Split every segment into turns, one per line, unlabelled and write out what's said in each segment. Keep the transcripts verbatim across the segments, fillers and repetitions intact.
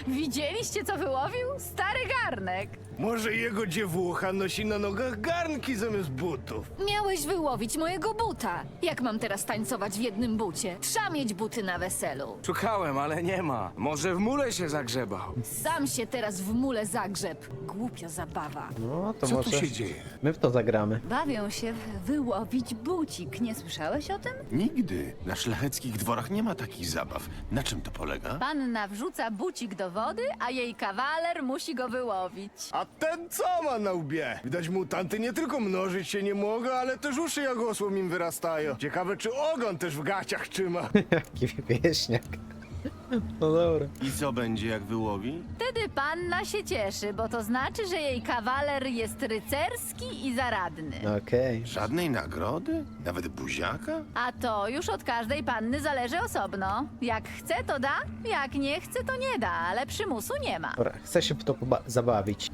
Widzieliście, co wyłowił? Stary garnek.
Może jego dziewucha nosi na nogach garnki zamiast butów.
Miałeś wyłowić mojego buta. Jak mam teraz tańcować w jednym bucie? Trzeba mieć buty na weselu.
Szukałem, ale nie ma. Może w mule się zagrzebał.
Sam się teraz w mule zagrzeb. Głupia zabawa.
No to
Co
może
tu się dzieje?
my w to zagramy.
Bawią się w wyłowić bucik. Nie słyszałeś o tym?
Nigdy. Na szlacheckich dworach nie ma takich zabaw. Na czym to polega?
Panna wrzuca bucik do wody, a jej kawaler musi go wyłowić.
A ten co ma na łbie? Widać mutanty nie tylko mnożyć się nie mogą, ale też uszy jak osłom im wyrastają. Ciekawe, czy ogon też w gaciach trzyma.
Jaki wieśniak. No dobra.
I co będzie, jak wyłowi?
Wtedy panna się cieszy, bo to znaczy, że jej kawaler jest rycerski i zaradny.
Okej.
Żadnej nagrody? Nawet buziaka?
A to już od każdej panny zależy osobno. Jak chce, to da, jak nie chce, to nie da, ale przymusu nie ma.
Dobra, chcę się w to poba- zabawić.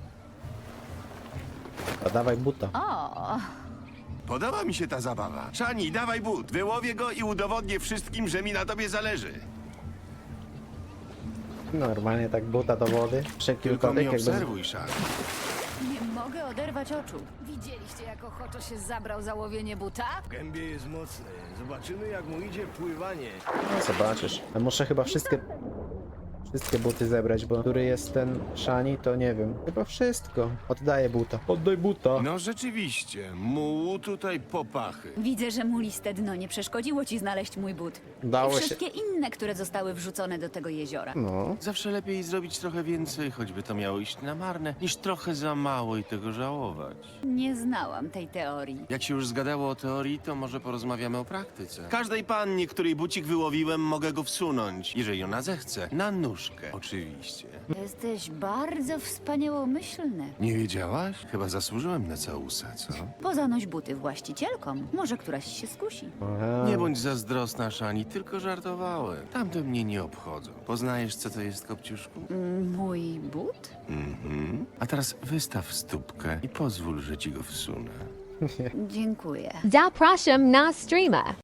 A dawaj buta.
O,
Podoba mi się ta zabawa. Szani, dawaj but. Wyłowię go i udowodnię wszystkim, że mi na tobie zależy.
Normalnie tak buta do wody. Wszelki
Tylko
wypadek
mnie
jakby...
obserwuj, Szani.
nie mogę oderwać oczu.
Widzieliście, jak ochoczo się zabrał za łowienie buta?
W gębie jest mocny. Zobaczymy, jak mu idzie pływanie.
No zobaczysz. Ja muszę chyba wszystkie... Wszystkie buty zebrać, bo który jest ten Shani, to nie wiem. Chyba wszystko. Oddaję buta. Oddaj buta.
No rzeczywiście, mułu tutaj popachy.
Widzę, że mu liste dno nie przeszkodziło ci znaleźć mój but.
Dało
I
się.
wszystkie inne, które zostały wrzucone do tego jeziora.
No.
Zawsze lepiej zrobić trochę więcej, choćby to miało iść na marne, niż trochę za mało i tego żałować.
Nie znałam tej teorii.
Jak się już zgadało o teorii, to może porozmawiamy o praktyce. Każdej pannie, której bucik wyłowiłem, mogę go wsunąć, jeżeli ona zechce. Na nóżkę, oczywiście.
Jesteś bardzo wspaniałomyślny.
Nie wiedziałaś? Chyba zasłużyłem na całusa, co?
Pozanoś buty właścicielkom. Może któraś się skusi.
Aha.
Nie bądź zazdrosna, Szani, tylko żartowałem. Tamte mnie nie obchodzą. Poznajesz, co to jest, Kopciuszku?
Mój but?
Mhm. A teraz wystaw stópkę i pozwól, że ci go wsunę.
Dziękuję.
Zapraszam na streama.